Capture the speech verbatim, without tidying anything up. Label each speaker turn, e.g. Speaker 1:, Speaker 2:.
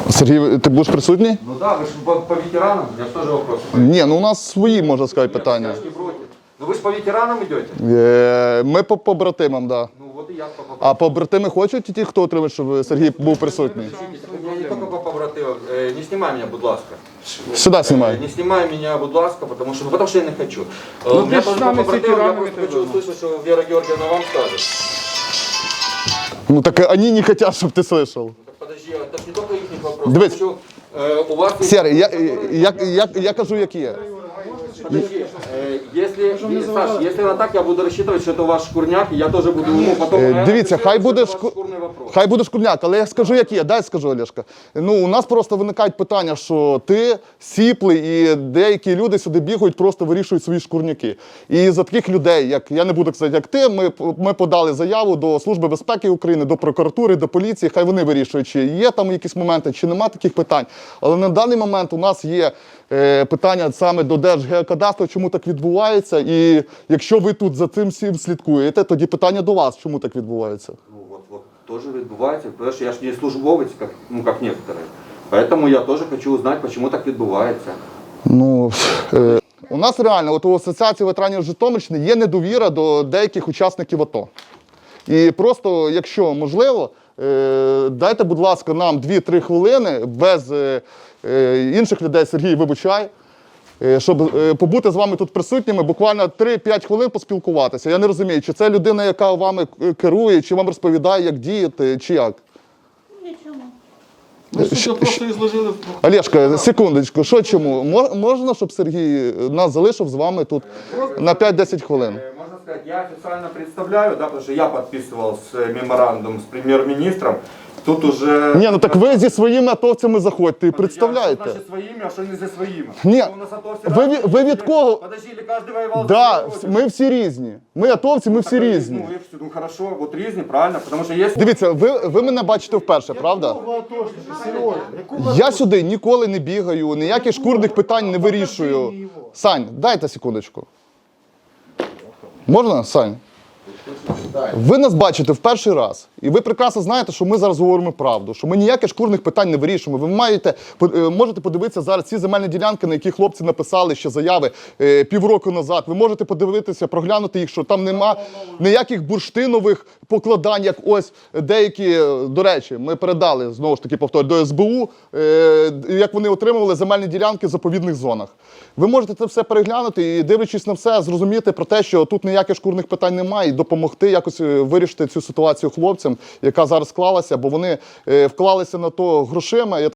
Speaker 1: Сергій, ти будеш присутній?
Speaker 2: Ну да, вы же по, по ветеранам, у меня тоже вопросы.
Speaker 1: Ні, ну у нас свої, можна сказати, питання.
Speaker 2: Я ж не против. Ну вы же по ветеранам идете?
Speaker 1: Е, Ми по побратимам, так. Да.
Speaker 2: Ну вот и я по побратимам.
Speaker 1: А побратими хочуть ті, хто отримає, щоб Сергій був присутній?
Speaker 2: У меня не только по побратимам. Э, Не снимай меня, будь ласка.
Speaker 1: Сюди знімай.
Speaker 2: Э, Не снимай меня, будь ласка, потому что, ну, потому что я не хочу. Э,
Speaker 3: Ну,
Speaker 2: У меня
Speaker 3: ты ж
Speaker 2: тоже
Speaker 3: с
Speaker 2: по
Speaker 3: нами с
Speaker 2: побратимам, я
Speaker 3: ветеранами
Speaker 2: просто хочу
Speaker 3: тогда.
Speaker 2: услышать, что Вера Георгиевна вам скажет.
Speaker 1: Ну так вони не хочуть, щоб ти слышав.
Speaker 2: Так подожди, это ж не только их вопрос.
Speaker 1: Дивись.
Speaker 2: Я хочу, э, у вас есть-
Speaker 1: Сергій, я, я, я, я кажу, як є.
Speaker 2: Подожди, э, если, е- Саш, если она так, я буду рассчитывать, что это ваш шкурняк, и я тоже буду, ну, потом...
Speaker 1: Е,
Speaker 2: я
Speaker 1: Дивіться,
Speaker 2: рассчитываю,
Speaker 1: хай
Speaker 2: что
Speaker 1: буде
Speaker 2: это ваш
Speaker 1: шку...
Speaker 2: шкурный вопрос.
Speaker 1: хай буде шкурняк, але я скажу, як є. Дай скажу, Олешка. Ну, у нас просто виникають питання, що ти сіплий, і деякі люди сюди бігають, просто вирішують свої шкурняки. І за таких людей, як я не буду казати, як ти, ми, ми подали заяву до Служби безпеки України, до прокуратури, до поліції. Хай вони вирішують, чи є там якісь моменти, чи нема таких питань. Але на даний момент у нас є е, питання саме до Держгеокадастру, чому так відбувається. І якщо ви тут за цим всім слідкуєте, тоді питання до вас, чому так відбувається.
Speaker 2: Ну, вот, вот, тоже відбувається, потому что я ж не службовець, как, ну, как некоторые. Поэтому я тоже хочу узнать, почему так відбувається.
Speaker 1: Ну, е, у нас реально, от у Асоціації ветеранів Житомирщини є недовіра до деяких учасників АТО. І просто, якщо можливо, е, дайте, будь ласка, нам дві-три хвилини без е, е, інших людей, Сергій, вибачай, е, щоб е, побути з вами тут присутніми, буквально три-п'ять хвилин поспілкуватися. Я не розумію, чи це людина, яка вами керує, чи вам розповідає, як діяти, чи як.
Speaker 4: Нічого.
Speaker 3: Ми ж тут просто ізложили в
Speaker 1: Олешка, секундочку, що чому? Мо- Можна, щоб Сергій нас залишив з вами тут на п'ять-десять хвилин?
Speaker 2: Э, Можно сказать, я официально представляю, да, потому что я подписывал с, э, меморандум с премьер-министром. Тут уже...
Speaker 1: Ні, ну так ви зі своїми атовцями заходьте і
Speaker 2: Подожди, а что
Speaker 1: представляєте.
Speaker 2: значит своими, а что не за своими?
Speaker 1: Ні,
Speaker 2: Что у нас атовцы
Speaker 1: ви,
Speaker 2: разные?
Speaker 1: від- ви від кого?
Speaker 2: Подожди, или каждый воевал
Speaker 1: Да,
Speaker 2: за свою
Speaker 1: ми всі різні. Ми атовці, ми всі
Speaker 2: родину?
Speaker 1: різні.
Speaker 2: Ну, и всё, ну хорошо, вот різні, правильно, потому что есть...
Speaker 1: Дивіться, ви, ви мене бачите вперше, правда? Я сюди ніколи не бігаю, ніяких шкурних питань не вирішую. Сань, дайте секундочку. Можна, Сань? Ви нас бачите в перший раз, і ви прекрасно знаєте, що ми зараз говоримо правду, що ми ніяких шкурних питань не вирішуємо. Ви маєте, по- е, можете подивитися зараз ці земельні ділянки, на які хлопці написали ще заяви е, півроку назад. Ви можете подивитися, проглянути їх, що там нема ніяких бурштинових покладань, як ось деякі, е, до речі, ми передали, знову ж таки повторю, до ес бе у, е, як вони отримували земельні ділянки в заповідних зонах. Ви можете це все переглянути і, дивлячись на все, зрозуміти про те, що тут ніяких шкурних питань немає, і допомогти якось е, вирішити цю ситуацію хлопцям, яка зараз склалася, бо вони е, вклалися на то грошима. Я